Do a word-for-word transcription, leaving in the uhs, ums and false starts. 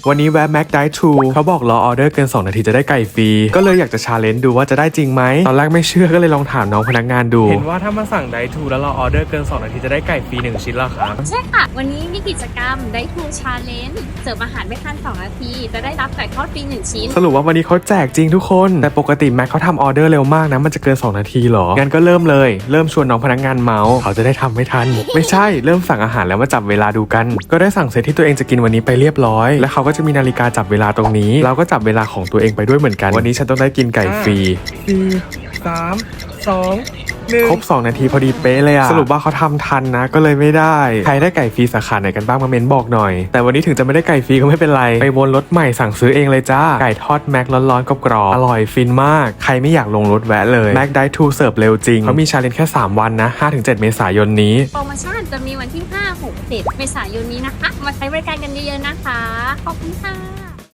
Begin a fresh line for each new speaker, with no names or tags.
วันนี้แวะแม็กได้ทูเขาบอกรอออเดอร์เกินสองนาทีจะได้ไก่ฟรีก็เลยอยากจะชาเลนจ์ดูว่าจะได้จริงไหมตอนแรกไม่เชื่อก็เลยลองถามน้องพนักงานดูเห็นว่าถ้ามาสั่งได้ทูแล้วรอออเดอร์เกินสองนาทีจะได้ไก่ฟรีหนึ่งชิ้นแล้วครับ
ใช่ค่ะวันนี้มีกิจกรรมได้ทูชาเลนจ์เสิร์ฟอาหารไม่ทันสองนาทีจะได้รับไก่ทอดฟรีหนึ่งชิ้น
สรุปว่าวันนี้เขาแจกจริงทุกคนแต่ปกติแม็กเขาทำออเดอร์เร็วมากนะมันจะเกินสองนาทีหรองั้นก็เริ่มเลยเริ่มชวนน้องพนักงานเมาส์เขาจะได้ทำไม่ทันไม่ใช่เริ่มสั่งอาหารแล้วมาจับเวลาดูกันก็ได้สั่งเซตที่ตัวเองจะกินวันนี้ไปเรียบร้อยแล้วเขาก็จะมีนาฬิกาจับเวลาตรงนี้เราก็จับเวลาของตัวเองไปด้วยเหมือนกันวันนี้ฉันต้องได้กินไก่ฟรีสี่สามสองครบสองนาทีพอดีเป๊ะเลยอะสรุปว่าเขาทำทันนะก็เลยไม่ได้ใครได้ไก่ฟรีสาขาไหนกันบ้างมาเมนบอกหน่อยแต่วันนี้ถึงจะไม่ได้ไก่ฟรีก็ไม่เป็นไรไปวนรถใหม่สั่งซื้อเองเลยจ้าไก่ทอดแม็กร้อนๆกรอบๆอร่อยฟินมากใครไม่อยากลงรถแวะเลยแม็กได้ทูเสิร์ฟเร็วจริงเขามีชาเลนจ์แค่สามวันนะ ห้าถึงเจ็ด เมษายนนี้
โปรโมชั่นจะมีวันที่ห้า หก เจ็ดเมษายนนี้นะคะมาใช้บริการกันเยอะๆนะคะขอบคุณค่ะ